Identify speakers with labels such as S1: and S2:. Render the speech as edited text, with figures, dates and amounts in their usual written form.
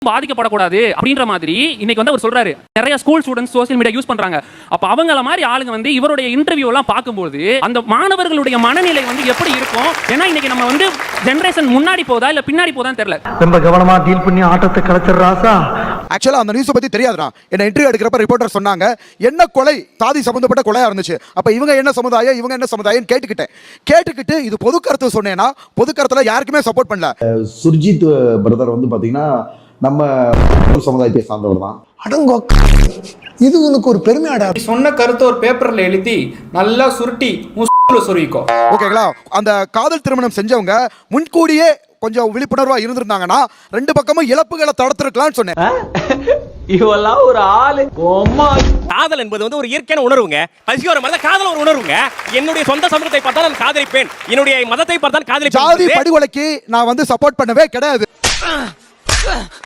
S1: பாதிக்கப்படக்கூடாது அப்படின்ற மாதிரி இன்னைக்கு வந்து அவர் சொல்றாரு. நிறைய school students social media use பண்றாங்க. அப்ப அவங்கள மாதிரி ஆளுங்க வந்து இவருடைய இன்டர்வியூ எல்லாம் பார்க்கும்போது அந்த மாணவர்களுடைய மனநிலை வந்து எப்படி இருக்கும்? ஏன்னா இன்னைக்கு நம்ம வந்து ஜெனரேஷன் முன்னாடி போதா இல்ல பின்னாடி போதான்னு தெரியல.
S2: ரொம்ப கவனமா டீல் பண்ணி ஆட்டத்தை கலைச்சிடுறாசா.
S3: ஆக்சுவலா அந்த நியூஸ் பத்தி தெரியாதுடா. என்ன இன்டர்வியூ எடுக்கிறப்ப ரிப்போர்ட்டர் சொன்னாங்க என்ன கொலை சாதி சம்பந்தப்பட்ட கொலையா இருந்துச்சு. அப்ப இவங்க என்ன சமுதாயம் இவங்க என்ன சமுதாயம் கேட்டுக்கிட்டு இது பொது கருத்து சொன்னேன்னா பொது கருத்துல யாருக்குமே சப்போர்ட் பண்ணல.
S4: சுர்ஜித் பிரதர் வந்து பாத்தீங்கன்னா நம்ம சமுதாயத்தை சார்ந்தவர் தான்.
S5: அடங்கோ, இது உனக்கு ஒரு பெருமையாடா.
S6: சொன்ன கருத்தை ஒரு பேப்பர்ல எழுதி நல்லா சுருட்டி சொருவிக்கோ.
S3: ஓகேங்களா? அந்த காதல் திருமணம் செஞ்சவங்க முன்கூடியே கொஞ்சம் விழிப்புணர்வா இருந்திருந்தாங்கன்னா ரெண்டு பக்கமும் இழப்புகளை தடுத்திருக்கலாம்னு சொன்னேன்.
S2: இவெல்லாம் ஒரு ஆளு.
S7: காதல் என்பது வந்து ஒரு இயற்கையான உணர்வுங்க. பசியோர மாதிரி காதல் ஒரு உணர்வுங்க. என்னுடைய சொந்த சமூகத்தை பார்த்தா நான் காதலிப்பேன், என்னுடைய மதத்தை பார்த்தா காதலிப்பேன்.
S3: ஜாதி படுகொலைக்கு நான் வந்து சப்போர்ட் பண்ணவே கிடையாது.